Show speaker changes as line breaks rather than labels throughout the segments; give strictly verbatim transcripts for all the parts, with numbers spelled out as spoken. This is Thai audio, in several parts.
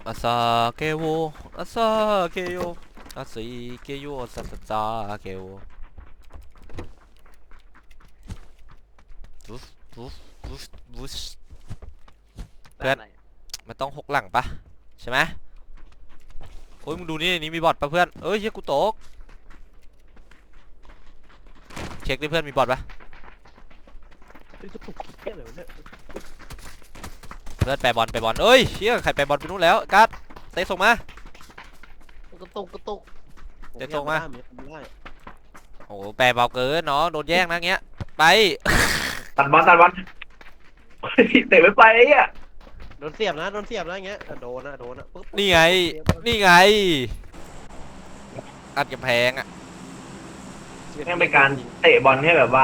อาซาเกโวอาซาเกโยอาซิเกโยอาซาซาเกโววุฟวุฟวุฟวุฟเพื่อนมันต้องหกหลังปะใช่ไหมโอ้ยมึงดูนี่นี่มีบอทปะเพื่อนเอ้ยเฮียกูตกเช็คดิเพื่อนมีบอทปะเพื่อนแปรบอลแปรบอลเอ้ยเชี่ยใครแปรบอลไปนู้นแล้วกัดเตะส่งมาก
ระตุกกระตุก
เตะส่งมา
ไม่ได้
โอ้โหแปรเบาเกินเนาะโดนแย่งนะเงี้ยไป
ตัดบอลตัดบอลเตะไม่ไปไอ้เนี่ย
โดนเสียบนะโดนเสียบนะอย่างเงี้ยโดนนะโดนนะปุ๊บ
นี่ไงนี่ไงอัดกำแพงอ่ะ
แม่งเป็นการเตะบอลให้แบบว่า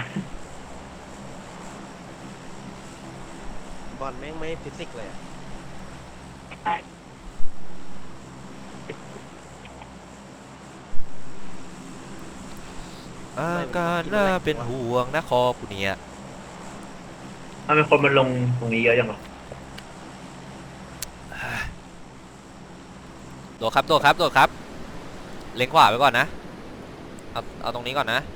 บอลแม่งไม่ฟิสิกส์เลยอะ
อาการน่าเป็นห่วงนะคอกูเนี่ย
ทำไมคนมันลงตรงนี้เยอะจังวะ
โดดครับโดดครับโดดครับเล็งขวาไปก่อนนะเอาเอาตรงนี้ก่อนนะ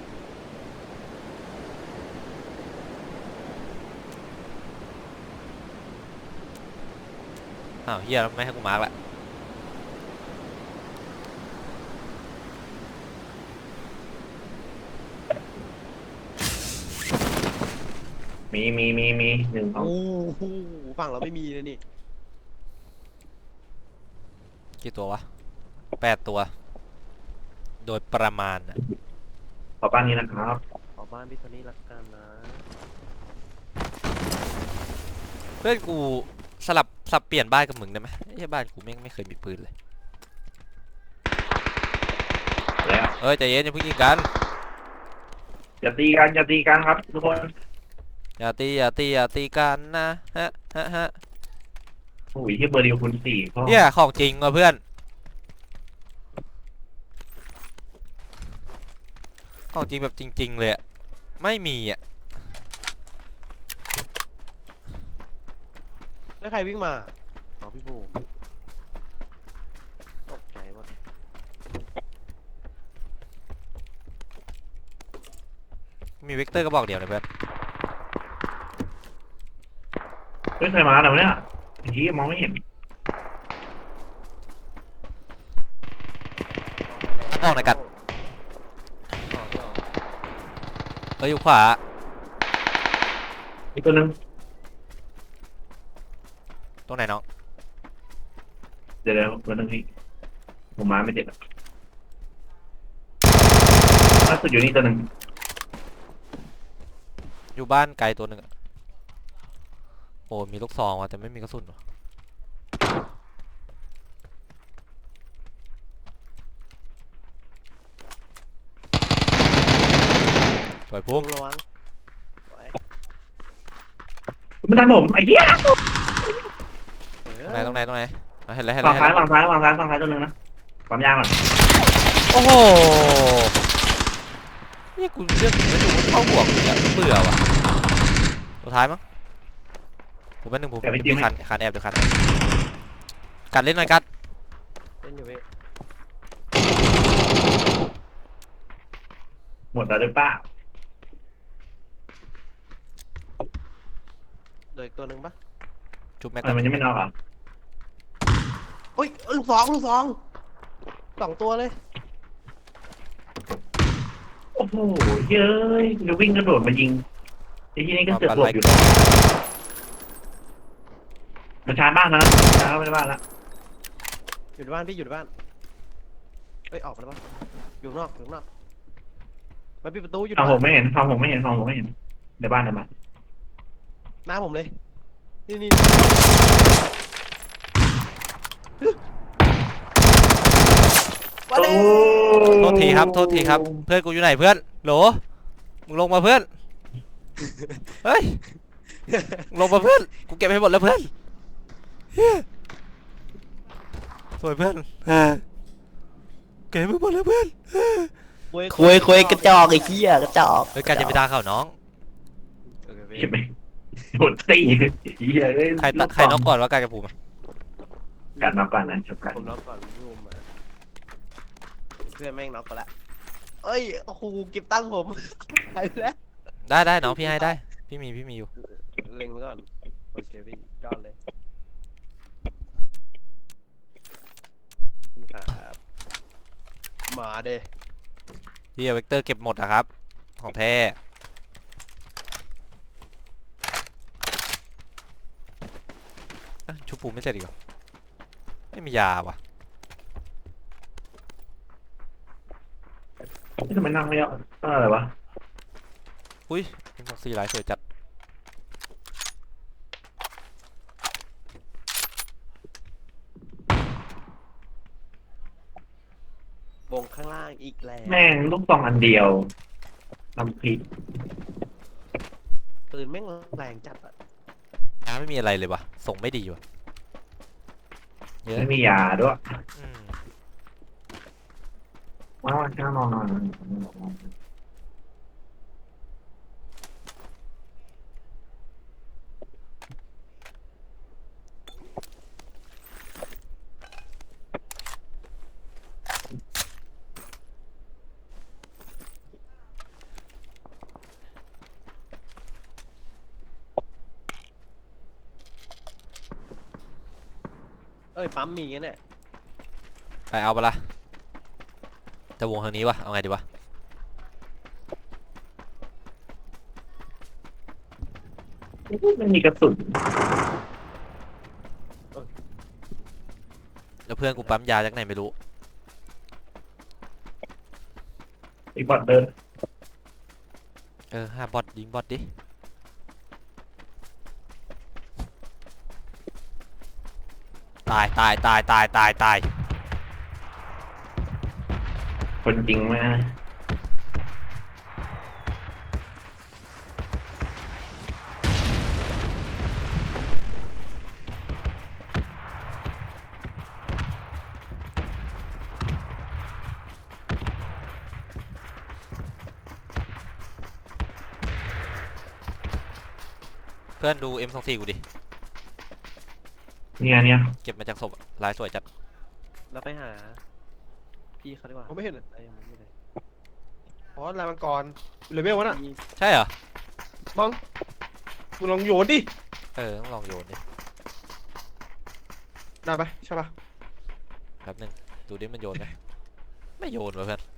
อ้าวเฮียไม่ให้กูมาร์กละ
มีมีมีมีหนึ่งสอง
โอ้โหฝั่งเราไม่มีเลยนี่
กี่ตัววะแปดตัวโดยประมาณนะ
ขอป้านนี้นะครับ
ขอบ้านพี่โทนี่ละกันนะ
เพื่อนกูสลับสับเปลี่ยนบ้านกับมึงได้ไหมไอ้บ้านกูแม่งไม่เคยมีปืนเลย
แล้ว
เอ้ยใจเย็นอย่าเพิ่งยิงกัน
อย่าตีกันอย่าตีกันครับทุกคน
อย่าตีอย่าตีอย่าตีกันนะฮะฮะฮะ
โอ้ยที่เบอร์เดียวคุณสี่พ่อ
เนี่ยของจริงว่ะเพื่อนของจริงแบบจริงๆเลยอะไม่มีอ่ะ
แล้วใครวิ่งมาอ๋อพี่บูตกใจหมด
มีเวกเตอร์ก็บอกเดียวเลยเพื่อน
เฮ้ยใครมาแต่เนี่ยไอ้ที่มองไม่เห็น
ออกหน่อยกัด
ต่อต่อ
เอ้ยอยู่ขวา
อีกตัวหนึง
ตรงไหนน้อง
เดี๋ยวเดี๋ยวตัวหนึงพี่ผมมาไม่เจ็บอะล่าสุดอยู่นี่ตัวหนึง
อยู่บ้านไกลตัวหนึ่งอะโอ้มีลูกซองว่ะแต่ไม่มีกระสุนว่ะปล่อยพุ่ม
ระวัง
มันทันผมไอ้เหี้ย
ตรงไหนตรงไหนตรงไหนเอาเห็นแล้วเห็น
ฝั่
แล้
ง
วเห็น
ซ้าย
แล้ว
ฝั่งซ้ายฝั่งซ้ายฝั่งซ้ายตัวหนึงนะความยางก่อน
โอ้โหนี่กูเลือกไม่ถูกเข้าบวกเลยอะเบื่อว่ะตัวท้ายมั้งผมเป็นหนึ่งผมมีคันคันแอบเดี๋ยวคันกัดเล่นหน่อยกัด
เล่นอยู่เว้ย
หมดแล้วหรือเปล่า
เดี๋ยวอีกตัวหนึ่งปะ
จุบแม็ก
ทำไมมันยังไม่นอกอ่ะ
อุ้ยลูกสองลูกสองสองตัวเลย
โอ้โหเย้ยจะวิ่งกระโดดมายิงไอ้ที่นี่ก็เสือกหลบอยู่มันชาร์จบ้านแล้วนะชาร์จเข้าไปในบ้านแล้ว
อยู่ในบ้านพี่อยู่ในบ้านเอ้ยออกมาแล้วปะอยู่ข้างนอกอยู่ข้างนอกมาปิดประตูอยู่ใน
ฟัง
บ้า
ผม
น
ไม่เห็นฟังผมไม่เห็นฟังผมไม่เห็นในบ้านในบ้าน
หน้าผมเลยนี่นี่
โอ้
โทษทีครับโทษทีครับเพื่อนกูอยู่ไหนเพื่อนโหลมึงลงมาเพื่อนเฮ้ยมึงลงมาเพื่อนกูเก็บให้หมดแล้วเพื่อนสวยเพื่อนเก็บให้หมดแล้วเพื่อน
คุยคุยกระจอกไอ้เหี้ยกระจอก
เฮ้ยการจะไปด่าเขาน้อง
โอเคพี่
ใช่ไหมโดนตีเหี้ยเอ้ย
ใครตะใครนอกก่อนว่าการจะผูก
กัดมาก่อนนะจบกัน
ผมน็อกก่อนพี่บูมมาเพื่อนแม่งน็อกไปละเอ้ยโอ้โหเก็บตั้งค์ผมไปแล้ว
ได้ได้น้องพี่ให้ได้พี่มีพี่มีอยู่
เล็งไว้ก่อนโอเคพี่ยอดเลยครับมาเด้
พี่เอาเวกเตอร์เก็บหมดนะครับของแท้เอ้ยชุบปูไม่เสร็จอีกเหรอไม่มียาว่ะ
ทำไมนั่งไม่เอาอะไรวะ
อุ้ยเป็นของสี่หลายสวยจัด
วงข้างล่างอีกแล้ว
แม่งลูกซองอันเดียวทำผิด
ปืนแม่งแรงจัดอะ
ยาไม่มีอะไรเลยวะส่งไม่ดีว่ะเยอะ
ไม่มียาด้วย
อืม
ว้าวข้างนอนนอน
เอ้ยปั๊มมีงั้นเนี่ย
ไปเอาปะละจะวงทางนี้วะเอาไงดีวะ
มันมีกระสุน
แล้วเพื่อนกูปั๊มยาจากไหนไม่รู้
อีกบอดเดิน
เออห้าบอทยิงบอทดิตายตายตายตายตายตาย
คนจริงไหม
เพื่อนดู เอ็ม สองสิบสี่กูดิ
เนี่ยเนี่ย
เก็บมาจากศพอะลายสวยจัด
เราไปหาพี่เขาดีกว่า
ผมไม่เห็นเลย
ไอ้ยังไม่ได้
อ๋อลายมังกรเลเวลวะน่ะ
พี่
ใช่เหรอ
มั้งมึงลองโยนดิ
เออต้องลองโยนดิ
ได้ปะใช่ปะ
แป๊บหนึงดูดิมันโยนไหมไม่โยนวะเพื่อน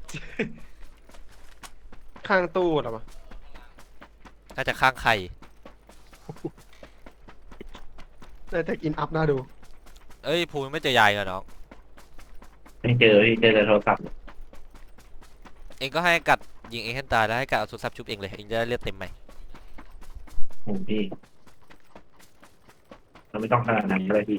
ข้างตู้เหรอมะ
น่าจะข้างไข่
ได้แต่กินอัพน่าดู
เอ้ยภูมิไม่เจอยายเหรอน้อง
ไม่เจอพี่เจอแต่โทรศัพท์
เองก็ให้กัดยิงเองให้ตายแล้วให้กัดเอาสุดซับชุบเองเลยเองจะได้เลือดเต็มไหม
โอ้พี่เราไม่ต้องขนาดนั้นก็ได้พี่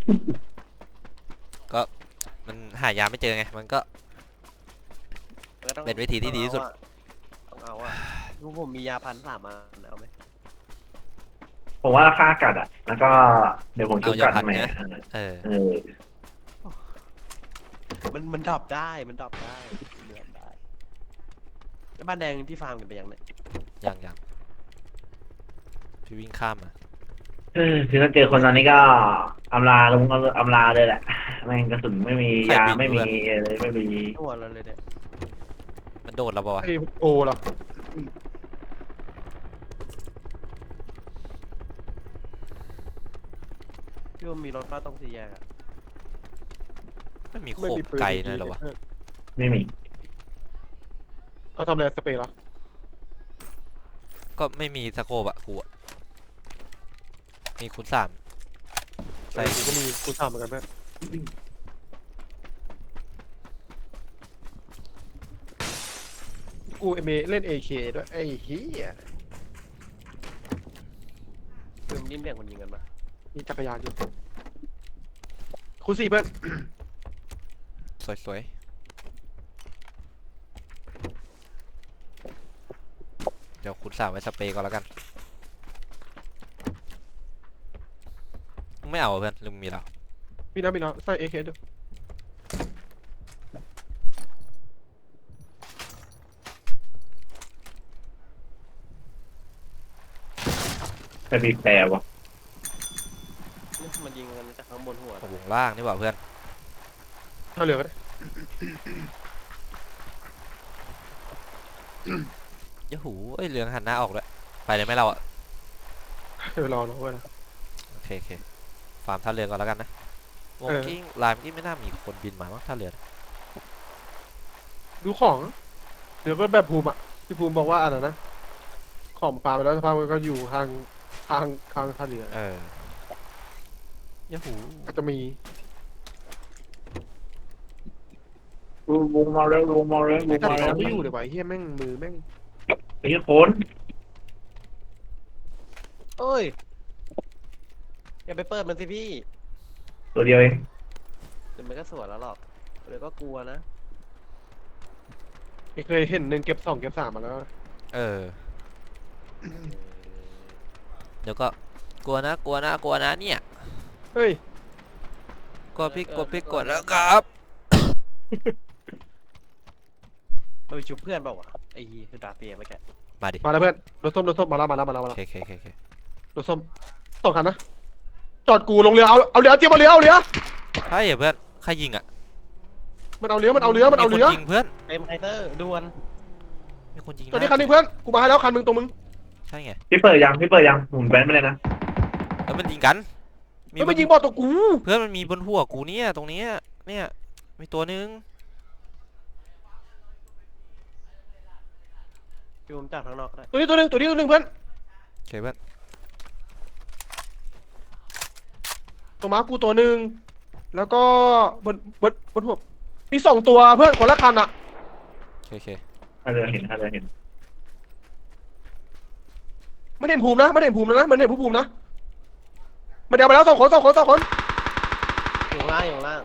มันหายาไม่เจอไงมันก็
ก็ต้อง
เป็นวิธีที่ดีที่สุด
ต้องเอาอะลูกผมมียาพันสามอันเอาไหม
ผมว่าค่ากัดอ่ะ แล้วก็เดี๋ยวผมชุบกัดใหม่
เออ
เออ
มันมันดับได้มันดับได้เดือดได้แล้วบ้านแดงที่ฟาร์มกันไปยังเนี่ย
ยังยังพี่วิ่งข้ามมา
เออคือถ้าเจอคนตอนนี้ก็อำลาลงอำลาเลยแหละแม่งกระสุนไม่มียาไม่มีอะไรไม่มี
ตัวเราเลยเนี่ย
มันโดดเราปะวะ
ไอโอเหรอ
พี่ว่ามีรถป้าต้องสี่แยกอะ
ไม่มีโค
ไม่
บ
มีปืน
ไกล
ดี
นะ
ๆ
เหรอวะ
เออ
ไม่มี
เอาทำอะไรสเปรย์เหรอ
ก็ไม่มีสโคบอะกูอะมีคูณสาม
ใช่กูก็มีกูทำเหมือนกันเพื่อนกูเอเมเล่น เอ เค ด้วยไอ้เหี้ย
คือมันยิ่งแบ่งคนยิงกันปะ
มีจักรยานอยู่คุณสี่เพื่อน
สวยๆเดี๋ยวคูณสามไว้สเปรย์ก่อนแล้วกันมึงไม่เอาเหรอเพื่อนหรือมึงมีแล้ว
มีน้ำมีน้ำใส่ เอ เค ด้วย
แต่บีบแต่วะ
มันยิงกันจากข้างบนหัว
วงล่างนี่หว่าเพื่อน
ท่าเรือก็ได้
ยะหูเอ้ยเรืองหันหน้าออกเลยไปเลยไหมเราอะ
เดี๋ยวรอน้องไว้นะ
โอเคโอเคฟาร์มท่าเรือก่อนแล้วกันนะวง
เออ
กิ้งลายเมื่อกี้ไม่น่ามีคนบินมามั้งท่าเรือ ดู
ดูของเดี๋ยวก็แบบภูมิอ่ะพี่ภูมิบอกว่าอะไรนะของปลาไปแล้วสภาพมันก็อยู่ทางทางทางท่าเรือ
เออยะหู
ก็จะมี
วงมาแล้ววงมาแล้ววง
แต่
มาแล้ว
เขาไม่อยู่เดี๋ยวไอ้เฮียแม่งมือแม่ง
ไอ้เหี้ยคน
เอ้ยอย่าไปเปิดมันสิพี่
ตัวเดียวเอง
เดี๋ยวมันก็สวนแล้วหรอกเดี๋ยวก็กลัวนะ
ไม่เคยเห็นหนึ่งเก็บสองเก็บสามมาแล้ว
เออเดี๋ยวก็กลัวนะกลัวนะกลัวนะเนี่ย
เฮ้ย
กลัวพี่กลัวพี่กดแล้วครับ
มันไปชุบเพื่อนเปล่าวะไอ้คือดาเฟียเมื่อกี้
มาดิ
มาแล้วเพื่อนรถส้มรถส้มมาแล้วมาแล้วมาแล้วมา
โอ
แล้ว
เคโอเคโอเคโอเค
รถส้มสองคันนะจอดกูลงเรือเอาเอาเรือเจียบเอาเรือเอาเรือ
ใช่เหรอเพื่อนใครยิงอ่ะ
มันเอาเรือมันเอาเรือมันเอาเรือ
คยิงเพื่อน
เอ็มไคเตอร์ดวน
มีคนยิง
ตอนนี้คันนี้เพื่อนกูมาให้แล้วคันมึงตรงมึง
ใช่ไง
พี่เปิดยังพี่เปิดยังหมุนแบนไปเลยนะ
แล้วมันยิงกัน
ไม่
บ
ไป
น
ยิงบอลตัวกู
เพื่อนมันมีบนหัวกูเนี่ยตรงเนี้ยเนี่ยมีตัวนึง
พี่ผมจากทางนอกก็ได้
ตัวนี้ตัวหนึงตัวนี้ตัวหนึงเพื่อน
โอเคเพื่อน
ตัวม้ากูตัวหนึ่งแล้วก็บนบนบนหัวมีสองตัวเพื่อนคนละคันอ่ะ
โอเคโอเค
ถ้าเรือเห็นถ้าเรือเห็น
ไม่ได้เห็นภูมินะไม่ได้เห็นภูมินะมันเห็นผู้ภูมินะมันเดี๋ยวไปแล้วสองคนสองคนสองคน
อยู่ข้างล่างอยู่ข้างล่าง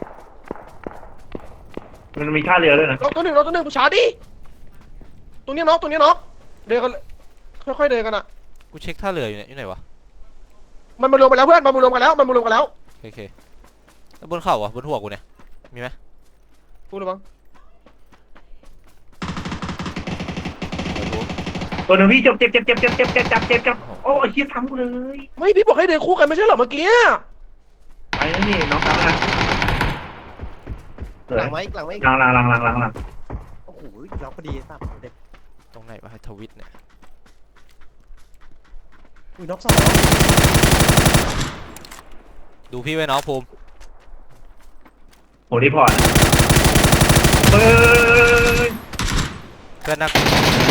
มันมีท่าเรือด้วยนะ
น็อกตัวหนึ่งน็อกตัวหนึ่งผู้ชายดิตรงนี้น็อกตรงนี้น็อกเดินกันค่อยๆเดินกันอ่ะ
กูเช็คท่าเรืออยู่เนี่ยอยู่ไหนวะ
มันมารวมกันแล้วเพื่อนมันมารวมกันแล้วมันมารวมกันแล้ว
โอเคโอเคแล้วบนเข่าอ่ะบนหัวกูเนี่ยมีไหม
พูดระวัง
ไม่รู้
ตัวหนึ่งพี่เจ็บเจ็บเจ็บเจ็บเจ็บเจ็บเจ็บเจ็บเจ็บเจ็บโอ้ยเหี้ยทำกูเลย
ไม่พี่บอกให้เดินคู่กันไม่ใช่เหรอเมื่อกี้
ไปแล้วนี่น้องสาวนะเหลื
ห
อ
ลังไหมหลังไหม
หลังหลังหลังหลังหลังหลัง
โอ้โหเราพอดีสับเด็ก
ตรงไหนวะให้ทวิตเนี่ย
อุ้ยน็อกสอง
ดูพี่ไว้น้องภูมิ
โหรีพอร์ตเฮ้ย
เพื่อนนัก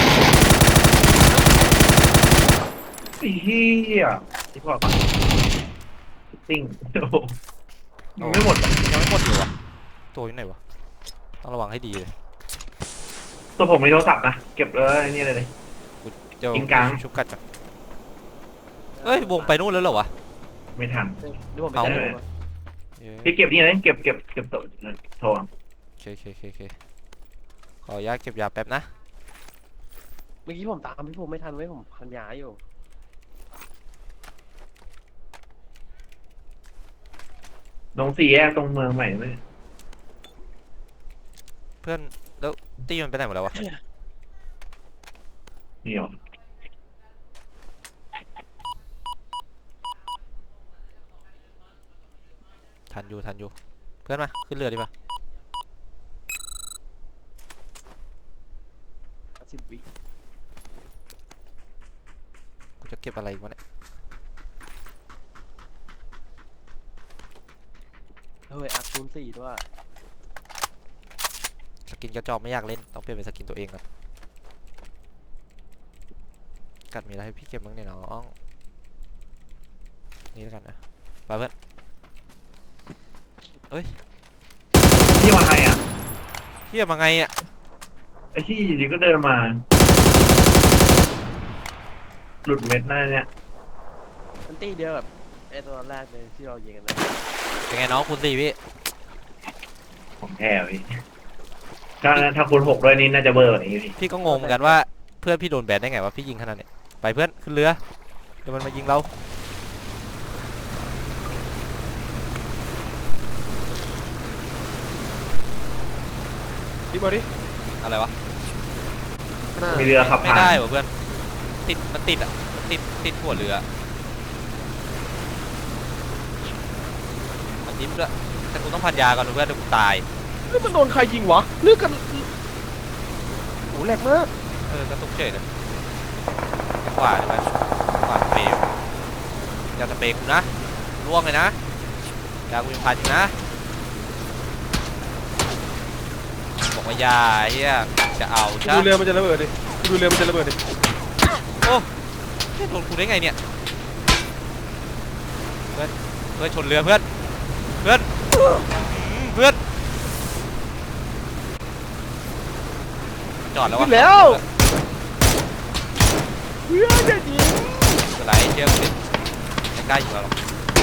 ไอ้เหี้ยรีพอร์ตก่อนติ้งโอ้โหยังไม่หมดอ่ะ
ยังไม่หมดอยู่วะตัวอยู่ไหนวะต้องระวังให้ดีเลย
ตัวผมมีโทรศัพท์นะเก็บเลยนี่เลยเลย
เดี๋ยว
ยิงกลาง
ชุบกัดจังเอ้ยวงไปนู่นแล้วเหรอวะ
ไม่ทัน
เดี๋ยวผมไป
เอา
แจ้ง
เย้
พี่เก็บนี่เลยเก็บเก็บเก็บตัวโทร
โอเคโอเคโอเคโอเคขออนุญาตเก็บยาแป๊บนะ
เมื่อกี้ผมตามพี่ผมไม่ทันไว้ผมพันยาอยู่
ลงสี่แยกตรงเมืองใหม่ไหม
เพื่อนแล้วตีมันไปไหนหมดแล้ววะ
นี่หรอ
ทันอยู่ทันอยู่เพื่อนมาขึ้นเรือดีป่ะ
สิบวิ
กูจะเก็บอะไรอีกวะเนี่ย
เฮ้ยอัพคูณสี่ด้วย
สกินกระจอกไม่อยากเล่นต้องเปลี่ยนเป็นสกินตัวเองก่อนกัดมีอะไรให้พี่เก็บบ้างเนี่ยน้องนี่แล้วกันนะไปเพื่อน
พี่มาไงอ่ะ
เฮียมาไงอ่ะ
ไอ้ที่อยู่ดีก็เดินมา หลุดเม็ดหน้าเนี่ย
มันตีเดียวกับไอ้ตอนแรกเลยที่เรายิงกันนะ
เป็นไงน้องคุณสี่พี่
ผมแพ้พี่ถ้าถ้าคูณหกด้วยนี่น่าจะเบอร์กว่านี้พี่
พี่ก็งงเหมือนกันว่าเพื่อนพี่โดนแบนได้ไงวะพี่ยิงขนาดเนี้ยไปเพื่อนขึ้นเรือเดี๋ยวมันมายิงเรา
ดิบเอาดิ
อะไรวะ
ข้างหน้า
มีเรือขับ
ไม่
ผ่าน
ได้วะเพื่อนติดมันติดอ่ะมันติดติดหัวเรือนิฟด้วยแต่กูต้องพันยาก่อนเพื่อนเดี๋ยวกูตาย
เฮ้ยมันโดนใครยิงวะเลือกกันโอ้แหลกมาก
เออกระตุกเฉยเลยขวาใช่ไหมขวาสเปรย์อย่าสเปรย์กูนะล่วงเลยนะยากูยังพันอยู่นะบอกว่ายาเฮียจะเอา
กู
ใช่
ดูเรือมันจะระเบิดดิกูดูเรือมันจะระเบิดดิ
โอ้เฮ้ยโดนกูได้ไงเนี่ยเพื่อนเพื่อนชนเรือเพื่อนเพื่อนเพื่อนจอดแล้ววะ
ขึ้นแล้วเพื่อนจะยิง
อะไรเชี่ยกูดิไม่กล้าอยู่แล้วหรอก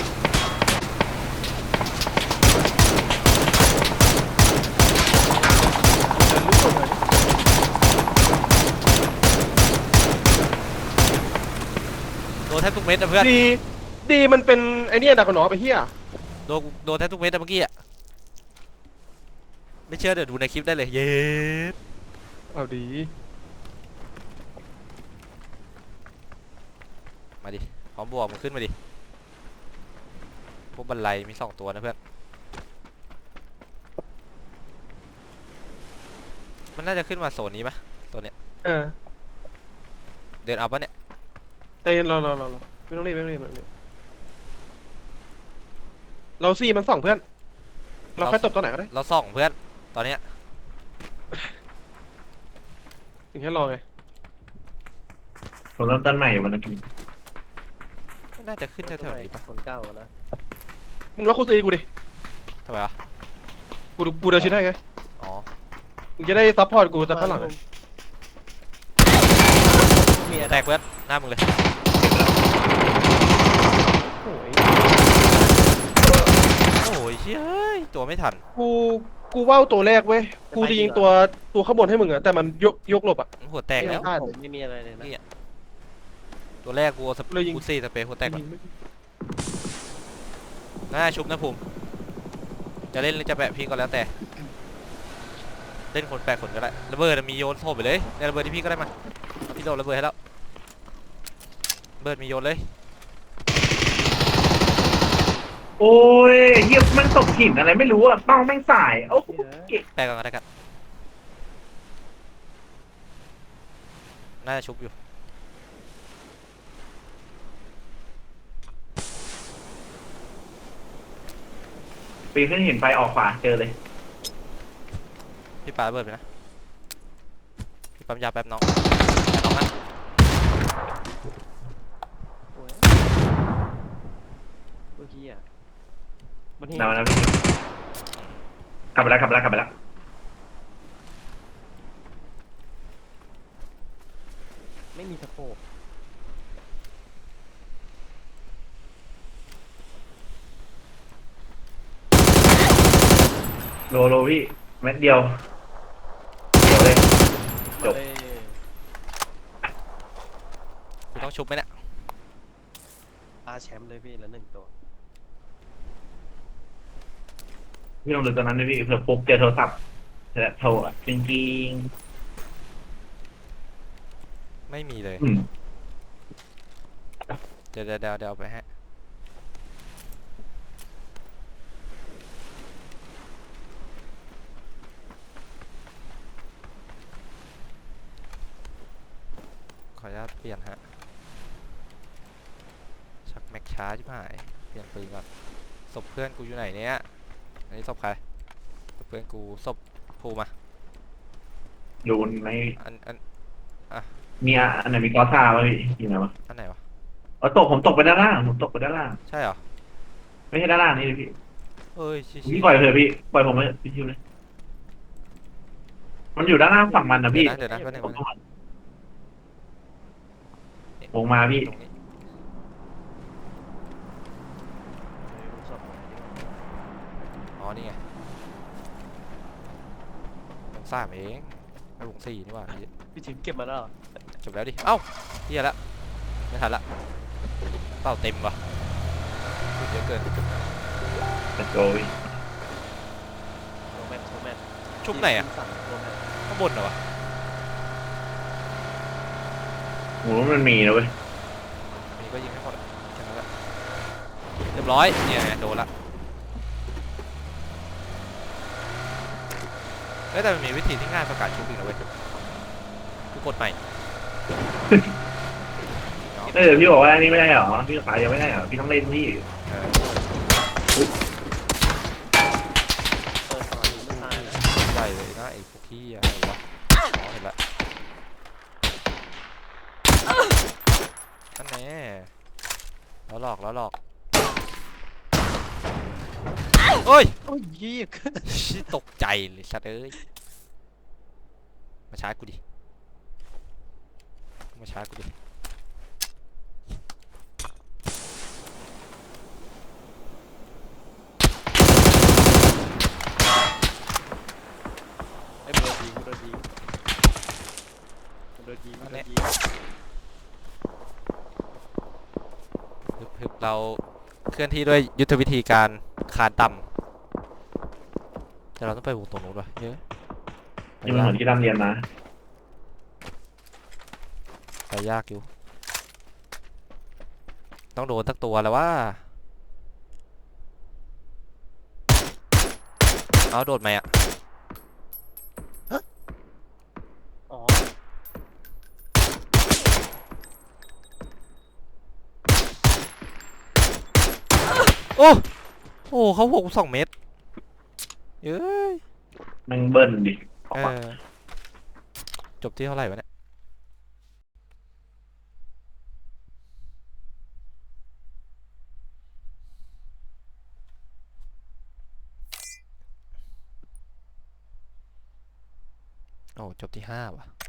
โดนแทบทุกเม็ดนะเพื่อน
ดีดีมันเป็นไอ้เนี่ยดักหนอไปเฮีย
โดนโดนแทบทุกเม็ดนะเมื่อกี้อะไม่เชื่อเดี๋ยวดูในคลิปได้เลยเย้
เอาดี
มาดิพร้อมบวกมันขึ้นมาดิพวกบันไลมีสองตัวนะเพื่อนมันน่าจะขึ้นมาโซนนี้ปะตัวเนี้ย
เออ
เดินเอาปะเนี่ย
ใจเย็นรอรอรอรอไม่ต้องรีบไม่ต้องรีบไม่ต้องรีบเราซี่มันสองเพื่อน เราค่อยตบตัวไหนก็ได้
เราส่องเพื่อนตอนเนี้ย
ถึงแค่รอไง
ผมเริ่มต้นใหม่วันนี้
น่าจะขึ้นแถวๆนี้ปะ
คนเก้าอะนะ
มึงล็อกคูซีกูดิ
ทำไมวะ
กูดูกูเดินชิดให้ไง
อ๋อ
มึงจะได้ซัพพอร์ตกูจากข้างหลังอะ
มีอะไร
แตกเพื่อนหน้ามึงเลย
โอ้ย
โอ้ยเชี่ยเอ้ยตัวไม่ทัน
กูกูว่าวตัวแรกเว้ยกูจะยิงตัวตัวข้างบนให้มึงอะแต่มันยกยกหลบอะ
หัวแตกแล้ว
พลาด
ผมไม่มีอะไรเลยนะ
ตัวแรกกูเอาสเป
เลยยิง
กูซี่สเปรย์หัวแตกก่อนน่าชุบนะภูมิจะเล่นหรือจะแปะพี่ก็แล้วแต่เล่นคนแปะคนก็ได้ระเบิดอะมีโยนโถมไปเลยในระเบิดที่พี่ก็ได้มาพี่โดนระเบิดให้แล้วระเบิดมีโยนเลย
โอ้ยเฮียมันตกหินอะไรไม่รู้อะเป้าแม่งสายโอ้โหเก่ง
แปะก่อนก็ได้กันน่าจะชุบอยู่
ปีนขึ้นหินไปออกขวาเจอเลย
พี่ปาระเบิดไปนะพี่ปั๊มยาแป๊บน้องน้องนะ
โอ้ยเมื่อกี้อ่ะมันเห็น
นำนะพี่กลับไปแล้วกลับไปแล้วกลับไปแล้ว
ไม่มีสโคป
โลโลพี่เม็ดเดียวเดียวเลย จบ
เลย
กูต้องชุบไหมเนี่ย
อาแชมป์เลยพี่ละหนึ่งตัว
พี่ลองดูตอนนั้นด้วยพี่เผื่อปุ๊บเจอโทรศัพท์แต่โทรอะจริงจริง
ไม่มีเลย
ๆอืม
เดี๋ยวเดี๋ยวเดี๋ยวเดี๋ยวเอาไปให้ขออนุญาตเปลี่ยนฮะชักแม็กช้าชิบหายเปลี่ยนปืนก่อนศพเพื่อนกูอยู่ไหนเนี่ยอันนี้ศพใครศพเพื่อนกูศพภูมา
ดูใน
อันอัน
มีอะอันไหนมีกอซ่าป่ะพี่อยู่ไหนวะ
อันไหนวะ
เออตกผมตกไปด้านล่างผมตกไปด้านล่าง
ใช่เหรอ
ไม่ใช่ด้านล่างนี่เลยพี่
เอ้ยชิ
พี่ปล่อยเถอะพี่ปล่อยผมไปเถอะพี่ชิวเลยมันอยู่ด้านล่างฝั่งมันนะพี่
เดี๋ยวนะเดี๋ยวนะแป๊บนึง
ผม
แป๊บนึง
ลงมาพี่
ตรงนี้
ศพไหนดีวะ
อ๋อนี่ไงลงสามเองไม่ลงสี่นี่หว่า
พี่ชิมเก็บมาแล้วเหรอ
จบแล้วดิ เอ้าเฮียละไม่ทันละเป้าเต็มว่ะพูดเยอะเกิน
เป็นโกย
โรแมนโรแมน
ชุบไหนอ่ะ
สั่งโรแมน
ข้างบนเหรอวะ
โหมันมีนะเว้ย
มีก็ยิงให้หมดอะแค่นั้นแหละเรียบร้อยเนี่ยไงโดนละเอ้ยแต่มันมีวิธีที่ง่ายประกาศชุบอีกนะเว้ยคือกดใหม่
เออพี่บอกว่าอันนี้ไม่ได้เหรอพี่ขายยังไม่ได้เหรอพี่ต้องเล่นพี่
เออ
เปิดก่อนไม่ตายเลย
ใหญ่เลยนะไอ้พวกที่อะไรวะอ๋อเห็นละอันนี้แล้วหลอกแล้วหลอกโอ้ย
โอ้ยยี่
ชิตกใจเลยสัตว์เอ้ยมาช้ากูดิมาช้ากูดิ
ไอ้โดนยิงโดนยิงโดนยิงโดนยิง
ฮึบฮึบเราเคลื่อนที่ด้วยยุทธวิธีการคานต่ำแต่เราต้องไปวงตรงนู้นวะเยอะไป
นี่มันเห
ยา
มือก นที่ร่ำเรียนมา
ไปยากอยู่ต้องโดนสักตัวแล้วว่าเอาโดดไหมอ่ะ
อ๋อ
โอ้โอ้เขาหกสองเมตรเอ้ย
แมันเบิ้ลดิออก
เอ
มา
อจบที่เท่าไหร่วะเนี่ยโอ้จบที่ห้าว่ะ